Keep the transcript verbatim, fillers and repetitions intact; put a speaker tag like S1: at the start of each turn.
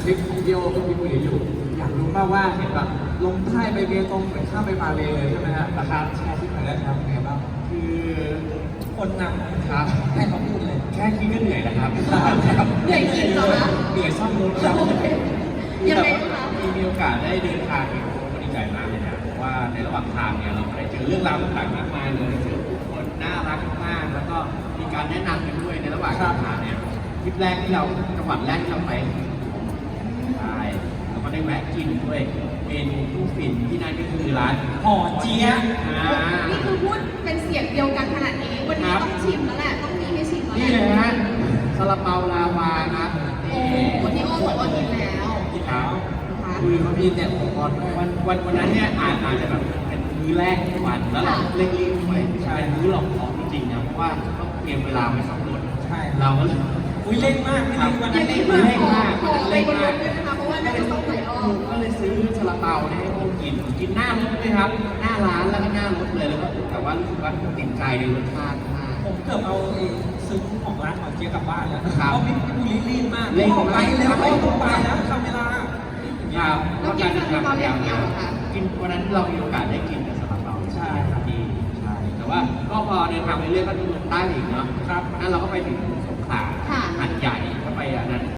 S1: ทริปท่องเที่ยวที่พี่ปุ้ยอยู่อยากรู้มากว่าเห็นแบบลงใต้ไปเบตงเหมือนข้ามไปมาเลยเลยใช่ไหมฮะราคาแชร์ทริปหน่อยได้ไหมครับเป็นไงบ้างคือคนนำครับให้เขาพูดเลยแค่คิดก็เหนื่อยนะครับ
S2: เหนื่อยจริงเหรอคะ
S1: เหนื่อยซ่อมรถครับ
S2: ยังไงคะ
S1: มีมีโอกาสได้เดินทางเนี่ยก็ดีใจมากเลยนะเพราะว่าในระหว่างทางเนี่ยเราได้เจอเรื่องราวต่างๆมากมายเลยเจอผู้คนน่ารักมากแล้วก็มีการแนะนำกันด้วยในระหว่างทางเนี่ยทริปแรกที่เราจังหวัดแรกที่เราไปใช่แล้วก็ได้แวะกินด้วยเมนูผู้ฝิ่นที่นั่นก็คือร้านห่อเจี๊ยะ
S2: นี่คือพูดเป็นเสียงเดียวกันขนาดนี้วันนี้ต้องชิมแล้วแหละต้องมีให้ชิมแล้ว
S1: นี่เลยฮะซาลาเปาลาวาครับ
S2: โอ้วันที่โอ้บอกว่ากินแล้ว
S1: กินแล้วคือเขามีเนี่ยอุปกรณ์วันวันวันนั้นเนี่ยอาจอาจจะแบบเป็นมื้อแรกของวันแล้วเราเร่งรีบไปใช่มื้อหลอกของจริงๆนะเพราะว่าต้องเตรียมเวลาไปสำรวจใช่เราก็เลยอุ้ยเร่งมากครับวันนั้นเร่งมากเร่งมาก
S2: เร่งมากเลยนะคะเพราะว่าน่าจะต้องหลายรอบ
S1: ก็เลยซื้อซาลาเปาเนี่ยให้โอ้กินกินหน้ารถเลยครับหน้าร้านแล้วก็หน้ารถเลยแล้วก็แต่ว่ารู้สึกว่าติดใจในรสชาติมากผมเกือบเอาซื้อของร้านของเจี๊ยบกลับบ้านแล้วเพราะพี่พี่รีบมากเร่งไปแล้วเร่งไปแล้วทำเวลาครับ
S2: แล้วกินซาลาเปาอย่างเดียวค่ะ
S1: กินวันนั้นเรามีโอกาสได้กินแต่ซาลาเปาใช่ครับดีใช่แต่ว่าก็พอเดินทางไปเรื่อยก็ดูลงใต้อีกเนาะครับนั่นเราก็ไปถึงสงขลาหาดใหญ่ก็ไปอันนั้น